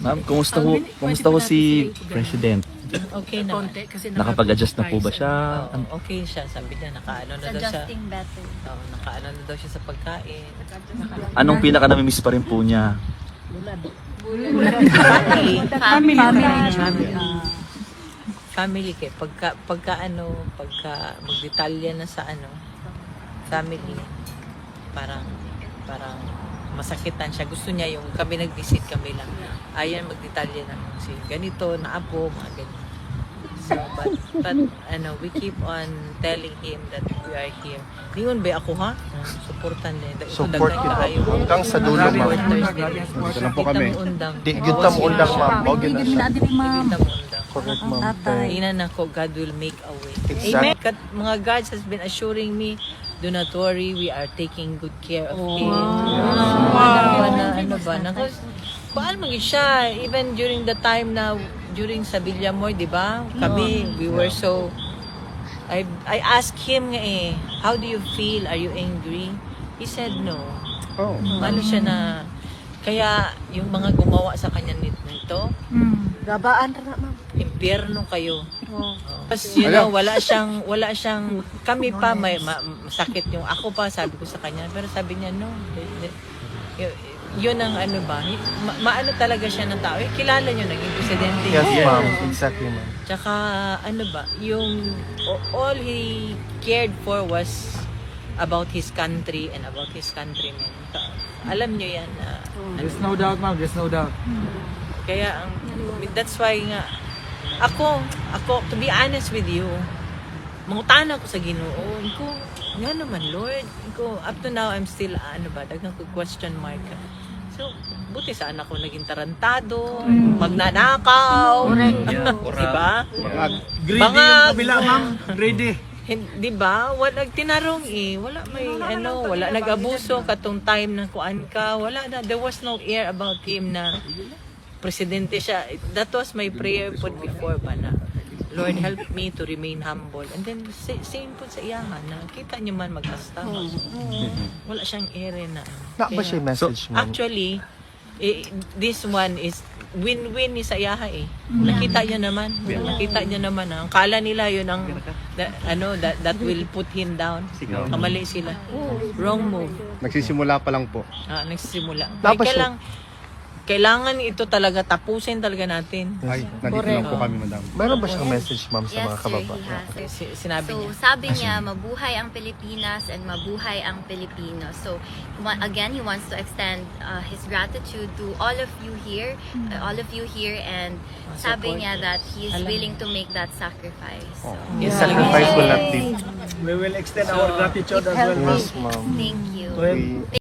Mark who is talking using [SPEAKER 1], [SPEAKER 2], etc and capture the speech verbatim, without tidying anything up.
[SPEAKER 1] Ma'am, kumusta ho, kumusta ho si President?
[SPEAKER 2] Okay naman.
[SPEAKER 1] Nakapag-adjust na po ba siya?
[SPEAKER 2] Oo, okay siya. Sabi niya, nakaano na daw siya.
[SPEAKER 3] Adjusting better.
[SPEAKER 2] Oo, nakaano na daw siya sa pagkain.
[SPEAKER 1] Anong pinaka namimiss pa rin po niya?
[SPEAKER 2] Family.
[SPEAKER 3] Family.
[SPEAKER 2] Family. Family kay pagka pagka ano, pagka magdetalya na sa ano, family. Parang parang masakitan siya. Gusto niya yung kami nag-visit kami lang. Ayan, magdetalya na si ganito, na apo, mga ganyan. So, but, but, ano, we keep on telling him that we are here. Diyon ba ako, ha? Supportan niya. Ito,
[SPEAKER 4] Support
[SPEAKER 2] dagdag
[SPEAKER 4] kita.
[SPEAKER 2] kayo.
[SPEAKER 4] Hanggang sa dulo, ma'am.
[SPEAKER 2] Dito
[SPEAKER 4] lang po kami.
[SPEAKER 2] Di,
[SPEAKER 4] Di gyud ta mo undang, ma'am. Mao gyud na siya.
[SPEAKER 2] Di kita mo undang.
[SPEAKER 4] Correct, ma'am.
[SPEAKER 2] Inan ako, God will make a way.
[SPEAKER 4] Exact.
[SPEAKER 2] Amen. Kat, mga guards has been assuring me, do not worry, we are taking good care of him. Wow. Na, ano ba? Na, paano mag siya? Even during the time na, during sa Villamor, di ba? Kami, we were so, I, I asked him nga eh, how do you feel? Are you angry? He said no.
[SPEAKER 4] Oh.
[SPEAKER 2] Ano siya na, kaya yung mga gumawa sa kanya nito,
[SPEAKER 3] Gabaan na, ma'am.
[SPEAKER 2] impyerno kayo. Tapos, you know, wala siyang, wala siyang, kami pa, may ma, masakit yung, ako pa, sabi ko sa kanya, pero sabi niya, no, y- yun ang ano ba, ma, maano talaga siya ng tao, eh, kilala niyo, naging presidente.
[SPEAKER 4] Yes,
[SPEAKER 2] niya.
[SPEAKER 4] ma'am. Exactly, ma'am.
[SPEAKER 2] Tsaka, ano ba, yung, all he cared for was about his country and about his countrymen. Alam niyo yan, na,
[SPEAKER 5] There's no doubt, ma'am. There's no doubt.
[SPEAKER 2] kaya, ang, that's why nga, ako, ako, to be honest with you, mangutan ako sa Ginoo. Ko, nga naman, Lord. Ko, up to now, I'm still, ano ba, dagang ko question mark. So, buti sa anak ko naging tarantado, magnanakaw. Diba?
[SPEAKER 5] Greedy
[SPEAKER 2] Mga-
[SPEAKER 5] yung kabila, ma'am. Greedy.
[SPEAKER 2] Di ba? Wala tinarong eh. Wala may ano, wala nag-abuso katong time na kuan ka. Wala na. There was no air about him na presidente siya. That was my prayer po before ba na, Lord, help me to remain humble. And then, sa- same po sa iyahan na kita niyo man mag-asta. Wala siyang air eh na.
[SPEAKER 4] Na ba siya yung message, ma'am?
[SPEAKER 2] Actually, eh, this one is win-win ni sa iyaha eh. Nakita niya naman. Nakita niya naman. ah. Ang kala nila yun ang that, ano that, that will put him down. Kamali sila. Wrong move.
[SPEAKER 4] Nagsisimula pa lang po.
[SPEAKER 2] Ah, nagsisimula.
[SPEAKER 4] Dapat
[SPEAKER 2] Kaya
[SPEAKER 4] siya-
[SPEAKER 2] kailang, kailangan ito talaga tapusin talaga natin.
[SPEAKER 4] Ay,
[SPEAKER 3] nandito lang po
[SPEAKER 4] kami, madam. Meron ba siyang message, ma'am, sa
[SPEAKER 3] Yes,
[SPEAKER 4] mga
[SPEAKER 3] sir,
[SPEAKER 4] kababayan?
[SPEAKER 3] he has.
[SPEAKER 2] Si- Sinabi
[SPEAKER 3] So,
[SPEAKER 2] niya.
[SPEAKER 3] sabi niya, mabuhay ang Pilipinas and mabuhay ang Pilipino. So, wa- again, he wants to extend uh, his gratitude to all of you here, uh, all of you here, and sabi
[SPEAKER 2] support.
[SPEAKER 3] niya that he is
[SPEAKER 2] Alam.
[SPEAKER 3] willing to make that sacrifice. So,
[SPEAKER 2] Yes,
[SPEAKER 4] Sacrifice will not be.
[SPEAKER 5] We will extend our gratitude as well, ma'am.
[SPEAKER 4] Yes, ma'am.
[SPEAKER 3] thank you.
[SPEAKER 5] To him.
[SPEAKER 4] We